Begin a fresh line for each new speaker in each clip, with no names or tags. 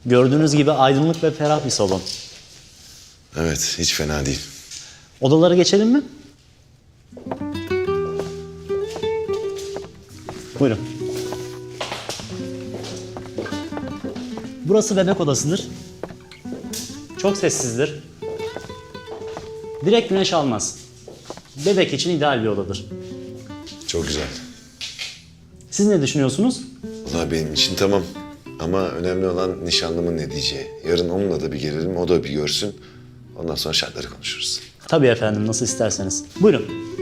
Gördüğünüz gibi aydınlık ve ferah bir salon.
Evet, hiç fena değil.
Odalara geçelim mi? Buyurun. Burası bebek odasıdır. Çok sessizdir. Direkt güneş almaz. Bebek için ideal bir odadır.
Çok güzel.
Siz ne düşünüyorsunuz?
Vallahi benim için tamam. Ama önemli olan nişanlımın ne diyeceği. Yarın onunla da bir gelelim, o da bir görsün. Ondan sonra şartları konuşuruz.
Tabii efendim, nasıl isterseniz. Buyurun.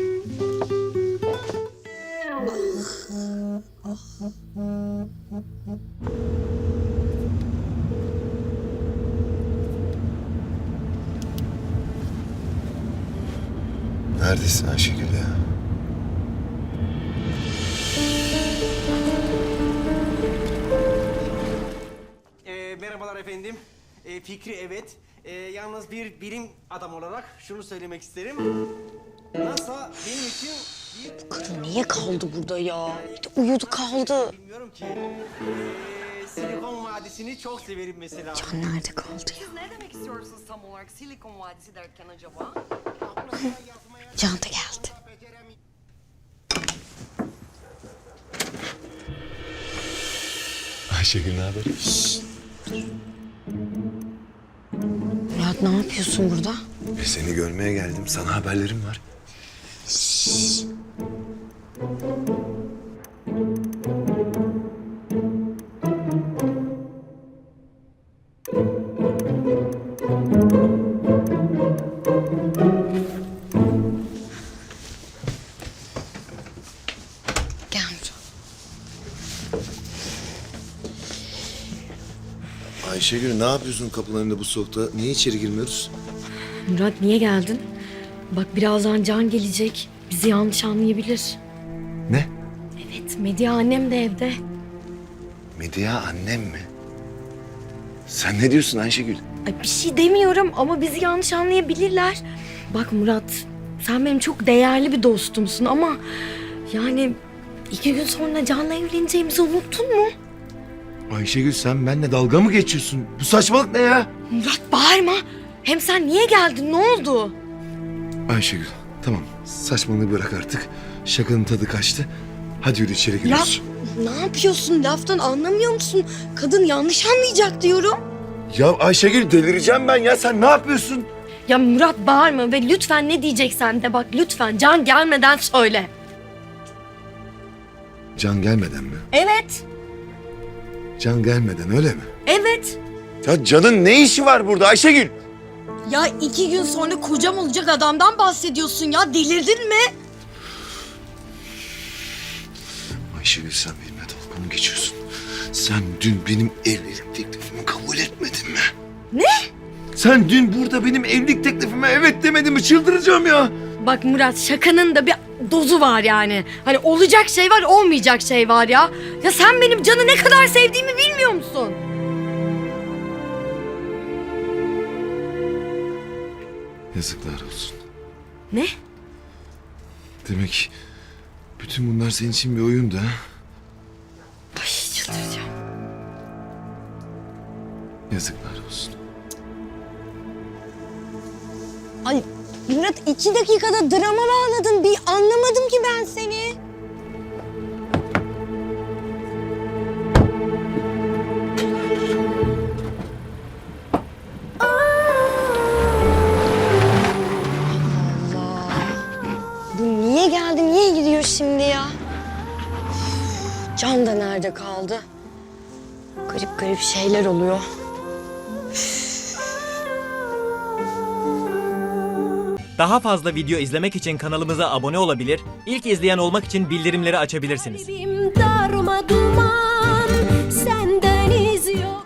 Neredesin Ayşegül ya?
Merhabalar efendim. Fikri evet. Yalnız bir bilim adam olarak şunu söylemek isterim. NASA benim için bir...
Kadın niye kaldı burada ya? Uyudu kaldı.
Bilmiyorum ki. Silikon Vadisi'ni çok severim mesela.
Can nerede kaldı ya?
Siz ne demek istiyorsunuz tam olarak Silikon Vadisi derken acaba?
Can da geldi.
Ayşegül ne haber?
Murat ne yapıyorsun burada?
Seni görmeye geldim. Sana haberlerim var.
Gel Murat.
Ayşegül ne yapıyorsun kapının önünde bu soğukta? Niye içeri girmiyoruz?
Murat niye geldin? Bak birazdan Can gelecek. Bizi yanlış anlayabilir.
Ne?
Evet, Medya annem de evde.
Medya annem mi? Sen ne diyorsun Ayşegül?
Ay bir şey demiyorum ama bizi yanlış anlayabilirler. Bak Murat, sen benim çok değerli bir dostumsun ama... Yani 2 gün sonra Can'la evleneceğimizi unuttun mu?
Ayşegül sen benimle dalga mı geçiyorsun? Bu saçmalık ne ya?
Murat bağırma. Hem sen niye geldin? Ne oldu?
Ayşegül tamam saçmalığı bırak artık. Şakanın tadı kaçtı. Hadi yürü içeri
Ya
giriyoruz.
ne yapıyorsun? Laftan anlamıyor musun? Kadın yanlış anlayacak diyorum.
Ya Ayşegül delireceğim ben ya. Sen ne yapıyorsun?
Ya Murat bağırma ve lütfen ne diyeceksen de bak lütfen Can gelmeden söyle.
Can gelmeden mi?
Evet.
Can gelmeden öyle mi?
Evet.
Ya Can'ın ne işi var burada Ayşegül?
Ya 2 gün sonra kocam olacak adamdan bahsediyorsun ya. Delirdin mi?
Ayşegül sen benimle dalga mı geçiyorsun? Sen dün benim evlilik teklifimi kabul etmedin mi?
Ne?
Sen dün burada benim evlilik teklifime evet demedin mi? Çıldıracağım ya.
Bak Murat şakanın da bir dozu var yani. Hani olacak şey var olmayacak şey var ya. Ya sen benim Can'ı ne kadar sevdiğimi bilmiyor musun?
Yazıklar olsun.
Ne?
Demek bütün bunlar senin için bir oyundu ha?
Ay çıldıracağım.
Yazıklar olsun.
Ay Murat 2 dakikada drama bağladın. Bir anlamadım ki ben seni. Allah. Bu niye geldi, niye gidiyor şimdi ya? Üf, Can da nerede kaldı? Garip garip şeyler oluyor.
Daha fazla video izlemek için kanalımıza abone olabilir, ilk izleyen olmak için bildirimleri açabilirsiniz.
Kalbim darma duman, senden iz yok.